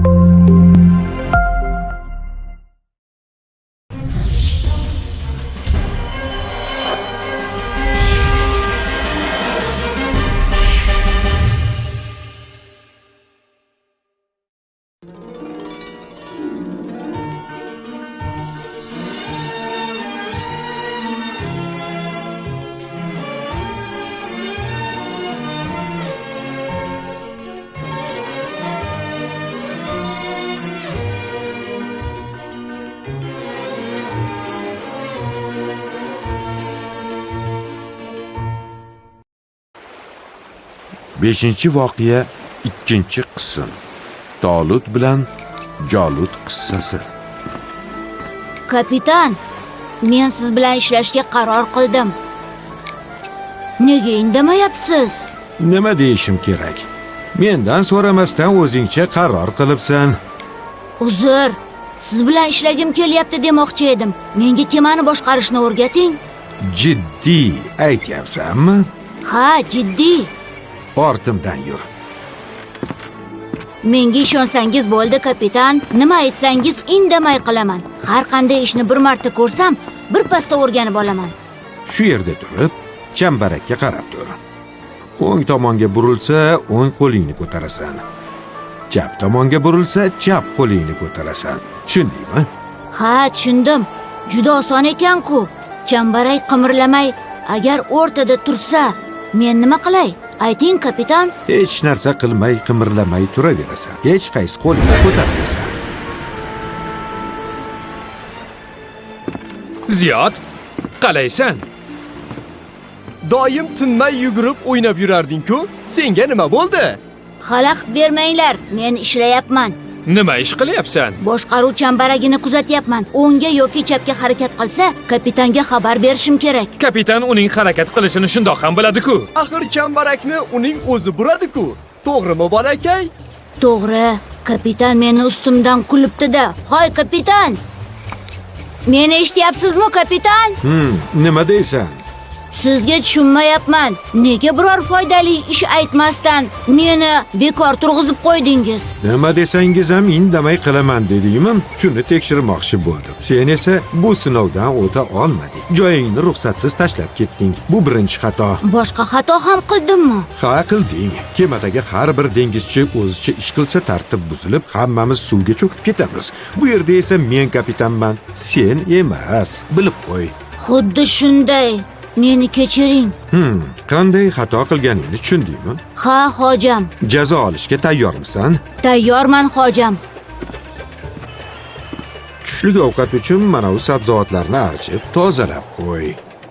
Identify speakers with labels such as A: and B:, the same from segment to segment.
A: Beshinchi voqea, ikkinchi qism. Tolut bilan Jolut qissasi.
B: Kapitan, men siz bilan ishlashga qaror qildim. Nega indamayapsiz?
A: Nima deyishim kerak? Mendan so'ramasdan o'zingcha qaror qilibsan.
B: Uzr, siz bilan ishlagim kelyapti demoqchi edim. Menga kemani boshqarishni o'rgating.
A: Jiddiy aytyapsanmi?
B: Ha, jiddiy.
A: Ortimdan yur.
B: Menga ishonsangiz bo'ldi, kapitan. Nima aytsangiz indamay qilaman. Har qanday ishni bir marta ko'rsam, bir pasda o'rganib olaman.
A: Shu yerda turib, chambarakka qarab tur. O'ng tomonga burilsa, o'ng qo'lingni ko'tarasan. Chap tomonga burilsa, chap qo'lingni ko'tarasan. Tushundingmi?
B: Ha, tushundim. Juda oson ekan-ku. Chambarak qimirlamay, agar o'rtada tursa, men nima qilay? Ayting, kapitan.
A: Hech narsa qilmay, qimirlamay turaverasan. Hech qaysi qo'lingni ko'tarmaysan.
C: Ziyod, qalaysan?
D: Doim tinmay yugurib o'ynab yurarding-ku. Senga nima bo'ldi?
B: Xalaqit bermanglar, men ishlayapman.
C: Nima ish qilyapsan?
B: Boshqaruv chambaragini kuzatyapman. O'ngga yoki chapga harakat qilsa, kapitanga xabar berishim kerak.
C: Kapitan uning harakat qilishini shundoq ham biladi-ku.
D: Axir chambarakni uning o'zi buradi-ku. To'g'rimi, bolakay?
B: To'g'ri, kapitan meni ustimdan kulibdi-da. Hoy, kapitan! Meni eshityapsizmi, kapitan?
A: Nima deysan?
B: Sizga tushunmayapman. Nega biror foydali ish aytmasdan meni bekor turg'izib qo'ydingiz?
A: Nima desangiz ham indamay qilaman dedingmi? Shuni tekshirmoqchi bo'ldim. Sen esa bu sinovdan o'ta olmading. Joyingni ruxsatsiz tashlab ketding. Bu birinchi xato.
B: Boshqa xato ham qildimmi?
A: Ha, qilding. Kemadagi har bir dengizchi o'zicha ish qilsa tartib buzilib, hammamiz suvga cho'kib ketamiz. Bu yerda esa men kapitanman, sen emas. Bilib qo'y.
B: Xuddi shunday. Meni kechiring.
A: Qanday xato qilganingni tushundingmi?
B: Ha, hojam.
A: Jazo olishga tayyormisan?
B: Tayyorman, hojam.
A: Tushlik ovqat uchun mana bu sabzavotlarni archib, tozalab qo'y.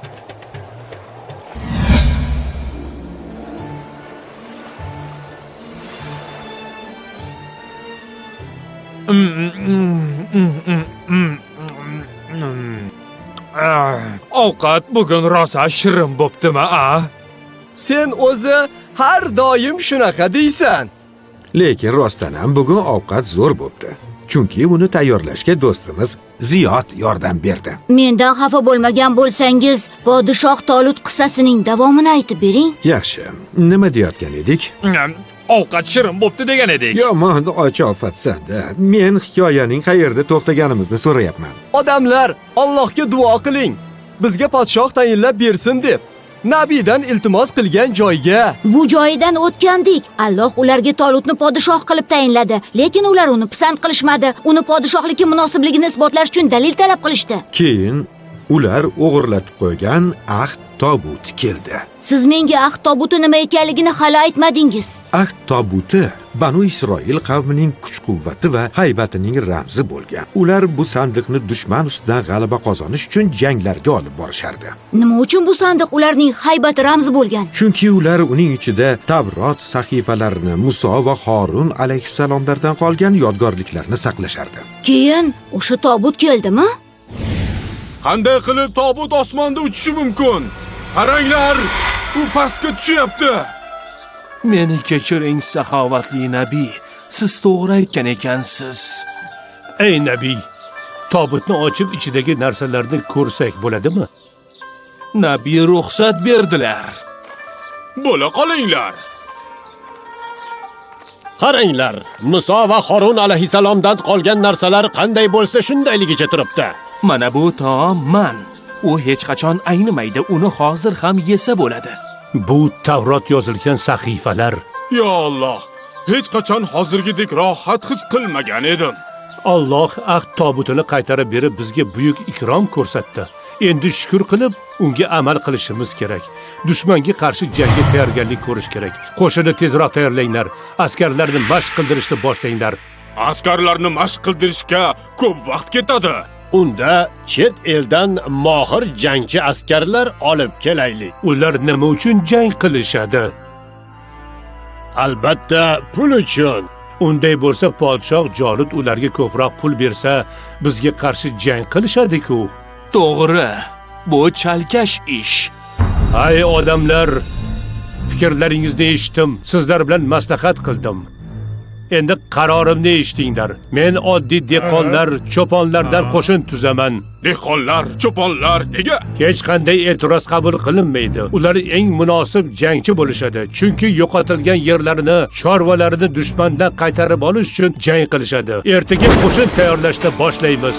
C: Ovqat bugun rosa shirin bo'ptimi, a?
D: Sen o'zi har doim shunaqa deysan.
A: Lekin rostdan ham bugun ovqat zo'r bo'pti. Chunki uni tayyorlashga do'stimiz Ziyod yordam berdi.
B: Mendan xafa bo'lmagan bo'lsangiz, Podshoh Tolut qissasining davomini aytib bering.
A: Yaxshi. Nima deyotgan edik?
C: Ovqat shirin bo'pti degan edik.
A: Yomon ochofatsan-da. Men hikoyaning qayerda to'xtaganimizni so'rayapman.
D: Odamlar, Allohga duo qiling. Bizga podshoh tayinlab bersin deb. Nabiydan iltimos qilgan joyga.
B: Bu joyidan o'tgandik. Alloh ularga Tolutni podshoh qilib tayinladi, lekin ular uni pisand qilishmadi. Uni podshohlikka munosibligini isbotlash uchun dalil talab qilishdi.
A: Keyin ular o'g'irlatib qo'ygan ahd tobuti keldi.
B: Siz menga ahd tobuti nima ekanligini hali aytmadingiz.
A: Ahd tobuti Banu Isroil qavmining kuch-quvvati va haybatining ramzi bo'lgan. Ular bu sandiqni dushman ustidan g'alaba qozonish uchun janglarga olib borishardi.
B: Nima uchun bu sandiq ularning haybati ramzi bo'lgan?
A: Chunki ular uning ichida Tavrot sahifalarini, Muso va Harun alayhissalomlardan qolgan yodgorliklarni saqlashardi.
B: Keyin o'sha tobut keldimi?
E: Qanday qilib tobut osmonda uchishi mumkin? Qaranglar, u pastga tushyapti.
F: Meni kechiring, saxovatli nabiy. Siz to'g'ri aytgan ekansiz.
G: Ey nabiy, tobutni ochib ichidagi narsalarni ko'rsak bo'ladimi?
F: Nabiy ruxsat berdilar.
E: Bo'la qolinglar.
H: Qaranglar, Muso va Harun alayhisalomdan qolgan narsalar qanday bo'lsa shundayligicha turibdi.
F: Mana bu taom man. U hech qachon aynimaydi, uni hozir ham yesa bo'ladi.
G: Bu Tavrot yozilgan sahifalar.
E: Yo Alloh, hech qachon hozirgidek rohat his qilmagan edim.
G: Alloh ahd tobutini qaytarib berib bizga buyuk ikrom ko'rsatdi. Endi shukr qilib, unga amal qilishimiz kerak. Dushmanga qarshi jangga tayyorgarlik ko'rish kerak. Qo'shinni tezroq tayyorlanglar. Askarlarni mashq qildirishni boshlanglar.
E: Askarlarni mashq qildirishga ko'p vaqt ketadi.
H: Unda chet eldan mohir jangchi askarlar olib kelaylik.
G: Ular nima uchun jang qilishadi?
H: Albatta, pul uchun.
G: Unday bo'lsa, podshoh Jolut ularga ko'proq pul bersa, bizga qarshi jang qilishadi-ku.
F: To'g'ri. Bu chalkash ish.
G: Ay odamlar, fikrlaringizni eshitdim, sizlar bilan maslahat qildim. Endi qarorimni eshitinglar. Men oddiy dehqonlar, cho'ponlardan qo'shin tuzaman.
E: Dehqonlar, cho'ponlar nega?
G: Hech qanday e'tiroz qabul qilinmaydi. Ular eng munosib jangchi bo'lishadi. Chunki yo'qotilgan yerlarini, chorvalarini dushmandan qaytarib olish uchun jang qilishadi. Ertaga qo'shin tayyorlashni boshlaymiz.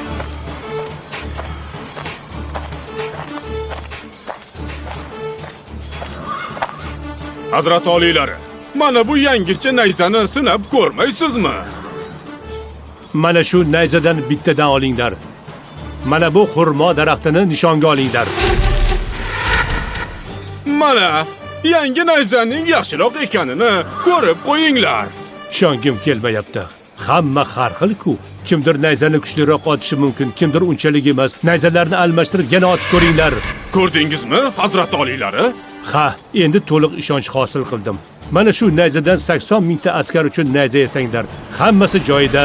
E: Hazrat oliylari, mana bu yangicha nayzani sinab ko'rmaysizmi?
G: Mana shu nayzadan bittadan olinglar. Mana bu xurmo daraxtini nishonga olinglar.
E: Mana yangi nayzaning yaxshiroq ekanini ko'rib qo'yinglar.
G: Ishongim kelmayapti. Hamma har xil-ku. Kimdir nayzani kuchliroq otishi mumkin, kimdir unchalik emas. Nayzalarni almashtirib yana otib ko'ringlar.
E: Ko'rdingizmi, hazrat oliylari?
G: Ha, endi to'liq ishonch hosil qildim. Mana shu nayzadan 80 mingta askar uchun nayza yasanglar. Hammasi joyida.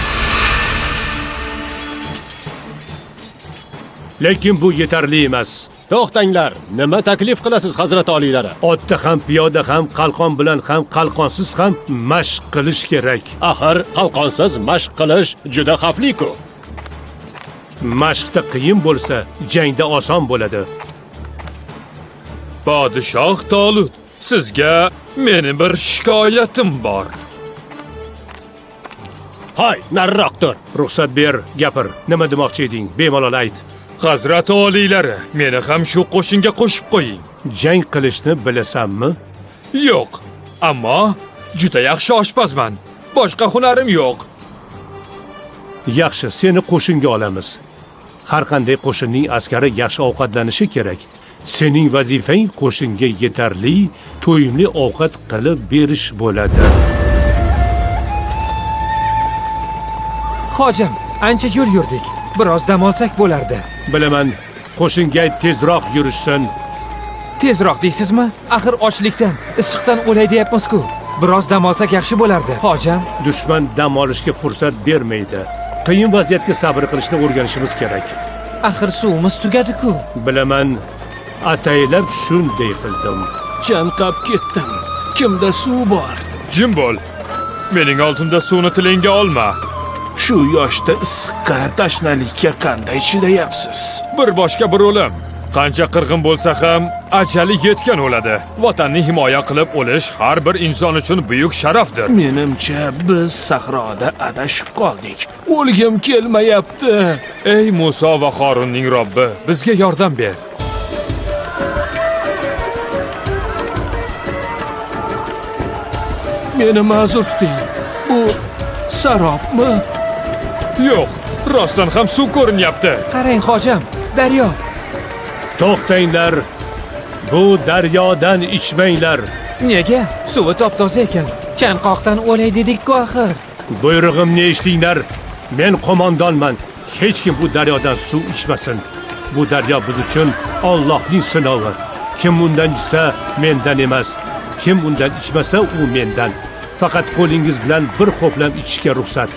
G: Lekin bu yetarli emas.
H: To'xtanglar, nima taklif qilasiz hazrat oliylari?
G: Otda ham, piyoda ham, qalqon bilan ham, qalqonsiz ham mashq qilish kerak.
H: Axir qalqonsiz mashq qilish juda xavfli-ku.
G: Mashqda qiyin bo'lsa, jangda oson bo'ladi.
C: Podshoh Tolut, sizga meni bir shikoyatim bor.
H: Hay, nariroq tur.
G: Ruxsat ber, gapir. Nima demoqchi eding? Bemalol ayt.
C: Hazrat oliylari, meni ham shu qo'shinga qo'shib qo'ying.
G: Jang qilishni bilasanmi?
C: Yo'q, ammo juda yaxshi oshpazman. Boshqa hunarim yo'q.
G: Yaxshi, seni qo'shinga olamiz. Har qanday qo'shinning askari yaxshi ovqatlanishi kerak. Sening vazifang qo'shinga yetarli, to'yimli ovqat qilib berish bo'ladi.
I: Hojim, ancha yo'l yurdik. Biroz dam olsak bo'lardi.
G: Bilaman, qo'shinga tezroq yurishsin.
I: Tezroq deysizmi? Axir ochlikdan, issiqdan o'lay deyapmiz-ku. Biroz dam olsak yaxshi bo'lardi. Hojim,
G: Dushman dam olishga fursat bermaydi. Qiyin vaziyatga sabr qilishni o'rganishimiz kerak.
I: axir suvimiz tugadi-ku.
G: Bilaman, ataylab shunday qildim.
F: Chanqab ketdim. Kimda suv bor?
C: Jim bo'l. Mening oldimda suvni tilingga olma.
F: Shu yoshda issiqqa, tashnalikka qanday chidayapsiz?
C: Bir boshqa bir o'lim. Qancha qirg'in bo'lsa ham ajali yetgan o'ladi. Vatanni himoya qilib o'lish har bir inson uchun buyuk sharafdir.
F: Menimcha biz sahroda adashib qoldik. O'lgim kelmayapti.
C: Ey Muso va Harunning Robbi, bizga yordam ber.
F: Meni ma'zur tuting. Bu sarobmi?
C: Yo'q, rostdan ham suv ko'rinyapti.
I: Qarang, hojim, daryo.
G: To'xtanglar. Bu daryodan ichmanglar.
I: Nega? Suvi top-toza ekan. Chanqoqdan o'lay dedik-ku axir.
G: Buyrug'imni eshitinglar. Men qo'mondonman. Hech kim bu daryodan suv ichmasin. Bu daryo biz uchun Allohning sinovi. Kim undan ichsa, mendan emas. Kim undan ichmasa, u mendan. Faqat qo'lingiz bilan bir xo'plam ichishga ruxsat.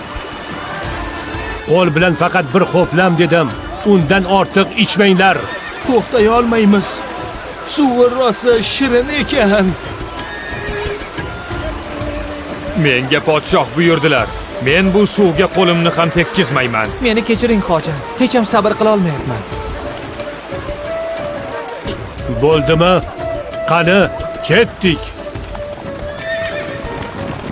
G: Qo'l bilan faqat bir xo'plam dedim. Undan ortiq ichmanglar.
F: To'xtay olmaymiz. Suvi rosa shirin ekan.
C: Menga podshoh buyurdilar. Men bu suvga qo'limni ham tekkizmayman.
I: Meni kechiring, hojim. Hech ham sabr qila olmayapman.
G: Bo'ldimi? Qani, ketdik.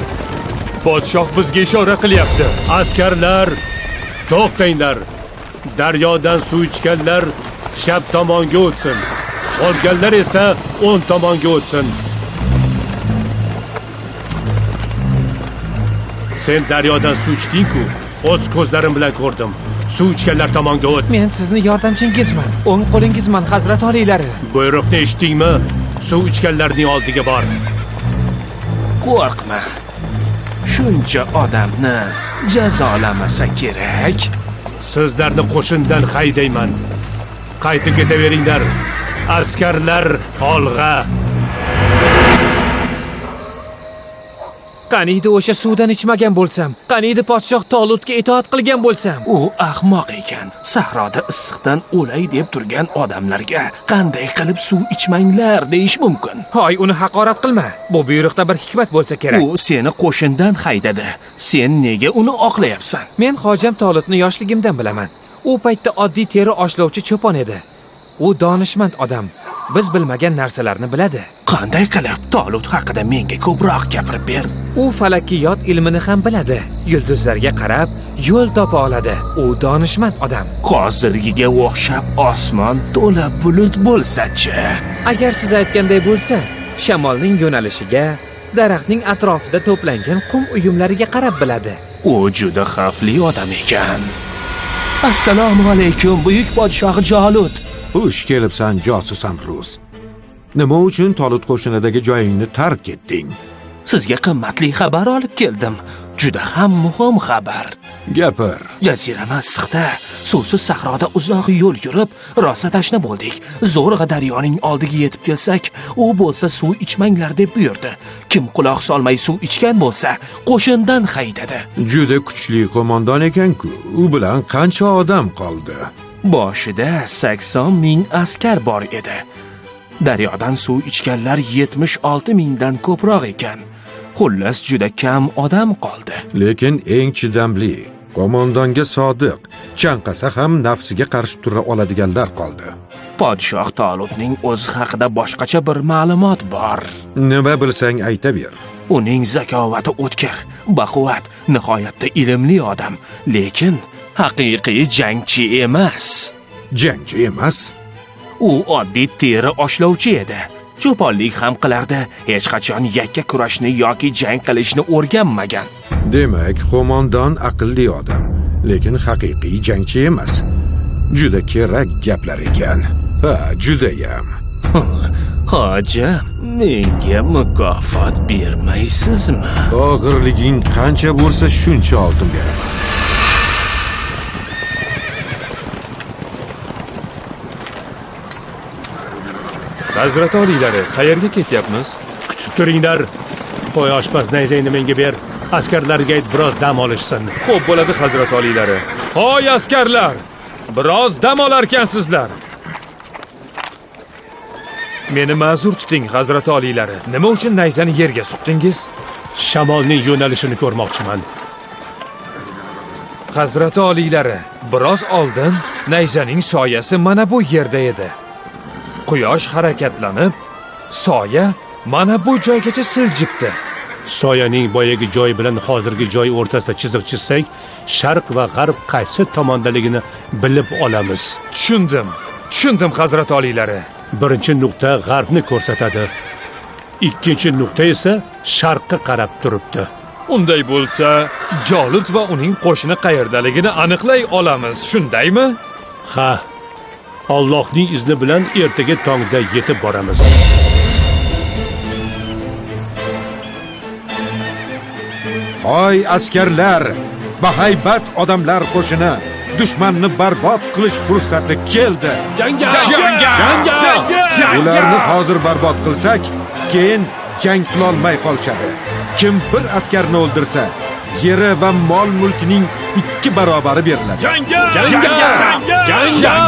C: Podshoh bizga ishora qilyapti.
G: Askarlar, to'xtanglar. Daryodan suv ichganlar shab tomonga o'tsin. Qolganlar esa o'ng tomonga o'tsin. Sen daryodan suv ichding-ku, o'z ko'zlarim bilan ko'rdim. Suv ichganlar tomonga o't.
I: Men sizni yordamchingizman. O'ng qo'lingizman, Hazrat oliylari.
G: Buyruqni eshitdingmi? Suv ichganlarning oldiga bor.
F: Qo'rqma. Shuncha odamni jazolamasa kerak.
G: Sizlarni qo'shindan haydayman. Qaytib ketaveringlar. Askarlar olg'a.
I: Qaniydi o'sha suvdan ichmagan bo'lsam, qaniydi podshoh Tolutga itoat qilgan bo'lsam.
F: U ahmoq ekan. Sahroda issiqdan o'lay deb turgan odamlarga qanday qilib suv ichmanglar deyish mumkin?
I: Hoy, uni haqorat qilma. Bu buyruqda bir hikmat bo'lsa kerak.
F: U seni qo'shindan haydadi. Sen nega uni oqlayapsan?
I: Men hojam Tolutni yoshligimdan bilaman. U paytda oddiy teri oshlovchi cho'pon edi. U donishmand odam. Biz bilmagan narsalarni biladi.
F: Qanday qilib Tolut haqida menga ko'proq gapirib ber.
I: U falakiyot ilmini ham biladi. Yulduzlarga qarab yo'l topa oladi. U donishmand odam.
F: Hozirgiga o'xshab osmon to'la bulut bo'lsa-chi?
I: Agar siz aytganday bo'lsa, shamolning yo'nalishiga, daraxtning atrofida to'plangan qum uyumlariga qarab biladi.
F: U juda xavfli odam ekan. Assalomu alaykum, buyuk podshoh Jolut.
A: Xush kelibsan, josus Amruz. Nima uchun Tolut qo'shinidagi joyingni tark etding?
F: Sizga qimmatli xabar olib keldim. Juda ham muhim xabar.
A: Gapir.
F: Jazirama issiqda, suvsiz sahroda uzoq yo'l yurib, rosa tashna bo'ldik. Zo'rg'a daryoning oldiga yetib kelsak, u bo'lsa suv ichmanglar deb buyurdi. Kim quloq solmay suv ichgan bo'lsa, qo'shindan haydadi.
A: Juda kuchli qo'mondon ekan-ku. U bilan qancha odam qoldi?
F: Boshida 80 ming askar bor edi. Daryodan suv ichganlar 76 mingdan ko'proq ekan. Xullas juda kam odam qoldi.
A: Lekin eng chidamli, qo'mondonga sodiq, chanqasa ham nafsiga qarshi tura oladiganlar qoldi.
F: Podshoh Tolutning o'zi haqida boshqacha bir ma'lumot bor.
A: Nima bilsang aytaver.
F: Uning zakovati o'tkir, baquvvat, nihoyatda ilmli odam, lekin haqiqiy jangchi emas.
A: Jangchi emas?
F: U oddiy teri oshlovchi edi. Cho'ponlik ham qilardi, hech qachon yakka kurashni yoki jang qilishni o'rganmagan.
A: Demak, qo'mondon aqlli odam, lekin haqiqiy jangchi emas. Juda kerak gaplar ekan. Ha, judayam.
F: Hojam, menga mukofot bermaysizmi?
A: Og'irliging qancha bo'lsa shuncha oltin beraman.
C: Hazrat oliylari, qayerga ketyapmiz?
G: Kutib turinglar. Qo'y oshpaz nayzangni menga ber. Askarlarga ayt biroz dam olishsin.
C: Xo'p bo'ladi, Hazrat oliylari. Hoy askarlar, biroz dam olarkansizlar. Meni ma'zur tuting, Hazrat oliylari. Nima uchun nayzani yerga suqdingiz?
G: Shamolning yo'nalishini ko'rmoqchiman.
C: Hazrat oliylari, biroz oldin nayzaning soyasi mana bu yerda edi. Quyosh harakatlanib, soya mana bu joygacha siljibdi.
G: Soyaning boyagi joyi bilan hozirgi joy o'rtasida chiziq chizsak, sharq va g'arb qaysi tomondaligini bilib olamiz.
C: Tushundim, Hazrat oliylari.
G: Birinchi nuqta g'arbni ko'rsatadi. Ikkinchi nuqta esa sharqqa qarab turibdi.
C: Unday bo'lsa, Jolut va uning qo'shini qayerdaligini aniqlay olamiz, shundaymi?
G: Ha. Allohning izni bilan ertaga tongda yetib boramiz.
A: Hoy askarlar, bahaybat odamlar qo'shini, dushmanni barbod qilish fursati keldi.
G: Jangga!
A: Ularni hozir barbod qilsak, keyin jang qila olmay qolishadi. Kim bir askarni o'ldirsa, yeri va mol mulkining 2 barobari beriladi.
G: Jangga!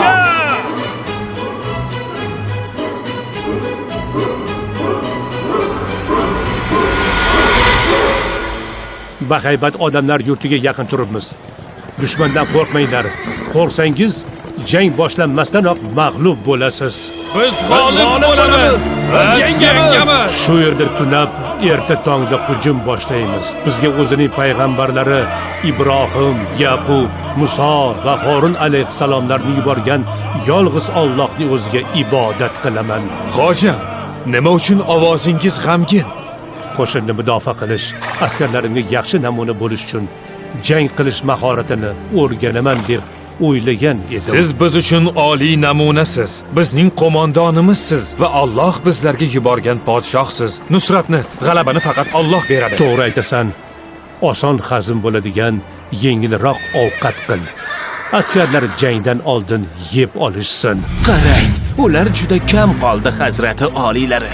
G: Bahaybat odamlar yurtiga yaqin turibmiz. Dushmandan qo'rqmanglar. Qo'rqsangiz, jang boshlanmasdanoq mag'lub bo'lasiz.
C: Biz g'olib bo'lamiz. Biz yengamiz.
G: Shu yerda tunab erta tongda hujum boshlaymiz. Bizga o'zining payg'ambarlari Ibrohim, Yaqub, Muso va Harun alayhissalomlarni yuborgan yolg'iz Allohning o'ziga ibodat qilaman.
C: Hojam, nima uchun ovozingiz g'amgin?
G: Qo'shinni mudofaa qilish, askarlarimga yaxshi namuna bo'lish uchun jang qilish mahoratini o'rganaman deb o'ylagan edim.
C: Siz biz uchun oliy namunasiz. Bizning qo'mondonimizsiz va Alloh bizlarga yuborgan podshohsiz. Nusratni, g'alabani faqat Alloh beradi.
G: To'g'ri aytasan. Oson hazm bo'ladigan yengilroq ovqat qil. Askarlar jangdan oldin yeb olishsin.
F: Qarang, ular juda kam qoldi, hazrati oliylari.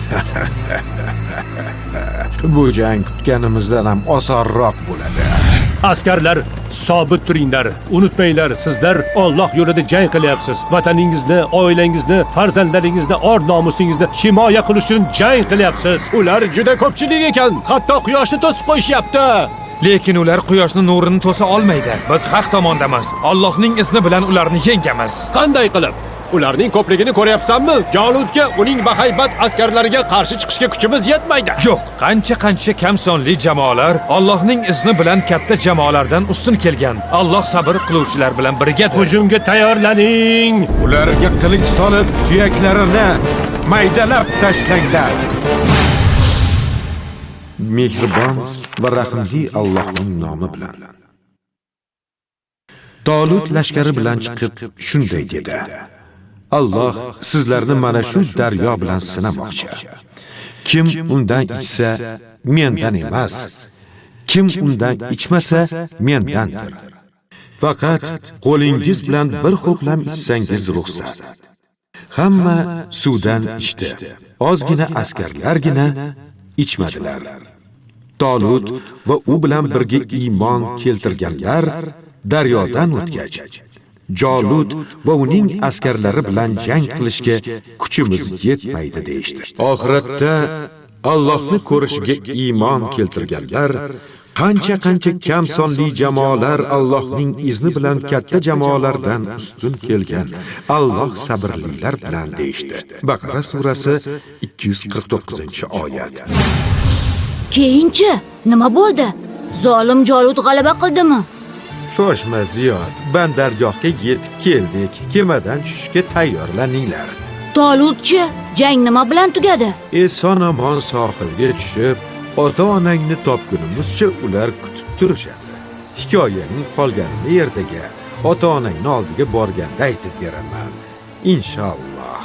A: Bu jang kutganimizdan ham osonroq bo'ladi.
G: Askarlar, sobit turinglar. Unutmanglar, sizlar Alloh yo'lida jang qilyapsiz. Vataningizni, oilangizni, farzandlaringizni, or-nomusingizni himoya qilish uchun jang qilyapsiz.
H: Ular juda ko'pchilik ekan, hatto quyoshni to'sib qo'yishyapti.
C: Lekin ular quyoshning nurini to'sa olmaydi. Biz haq tomondamiz. Allohning izni bilan ularni yengamiz.
H: Qanday qilib? Ularning ko'pligini ko'ryapsanmi? Jalutga, uning bahaybat askarlariga qarshi chiqishga kuchimiz yetmaydi.
C: Yo'q, qancha kam sonli jamoalar Allohning izni bilan katta jamoalardan ustun kelgan. Alloh sabr qiluvchilar bilan birgadir.
G: Hujumga tayyorlaning.
A: Ularga qilich solib, suyaklarini maydalab tashlanglar. Mehribon va rahimli Allohning nomi bilan. Tolut lashkari bilan chiqib shunday dedi: Alloh sizlarni mana shu daryo bilan sinamoqchi. Kim undan ichsa, mendan emas. Kim undan ichmasa, mendandir. Faqat qo'lingiz bilan bir ho'plam ichsangiz ruxsat. Hamma suvdan ichdi. Ozgina askarlargina ichmadilar. Tolut va u bilan birga iymon keltirganlar daryodan o'tgach, Jalut va uning askarlari bilan jang qilishga kuchimiz yetmaydi deyishdi. Oxiratda Allohni ko'rishiga iymon keltirganlar qancha kam sonli jamoalar Allohning izni bilan katta jamoalardan ustun kelgan. Alloh sabrlilar bilan deyishdi. Baqara surasi 249-oyat.
B: Keyinchi nima bo'ldi? Zolim Jalut g'alaba qildimi?
A: Shoshma Ziyod, bandargohga yetib keldik. Kemadan tushishga tayyorlaninglar.
B: Tolutchi, jang nima bilan tugadi?
A: Eson-omon sohilga tushib, ota-onangni topgunimizcha ular kutib turishadi. Hikoyaning qolganini ertaga ota-onangni oldiga borganda aytib beraman. Inshaalloh.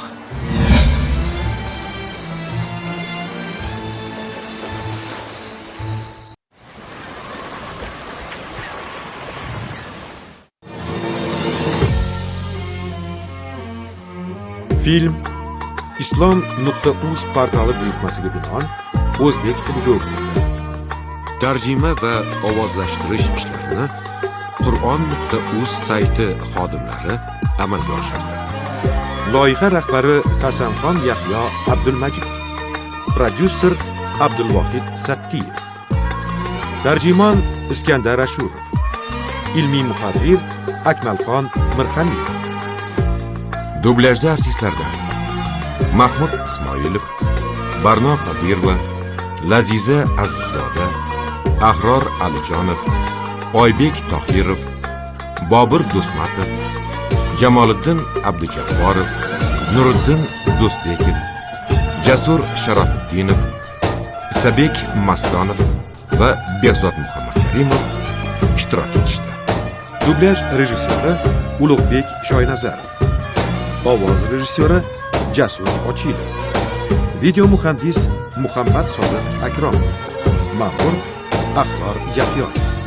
A: Film islom.uz portali buyurtmasiga binoan o'zbek tilida o'qitildi. Tarjima va ovozlashtirish ishlarini Qur'on.uz sayti xodimlari amalga oshirdi. Loyiha rahbari Hasanxon Yahyo Abdulmajid, prodyuser Abdulvohid Satkiyev, tarjimon Iskandar Ashurov, ilmiy muharrir Akmalxon Mirxaniyev. Dublyajda artistlardan Mahmud Ismoilov, Barno Qodirova, Laziza Azizzoda, Ahror Alijonov, Oybek Tohirov, Bobur Do'stmatov, Jamoliddin Abdujabborov, Nuriddin Do'stbekov, Jasur Sharofiddinov, Isabek Mastonov va Behzod Muhammadkarimov ishtirok etishdi. Dublyaj rejissyori Ulug'bek Shoynazarov, ovoz rejissyori Jasur Ochilov, video muhandis Muhammad Sodiq Akromov, ma'mur Ahlor Yahyo.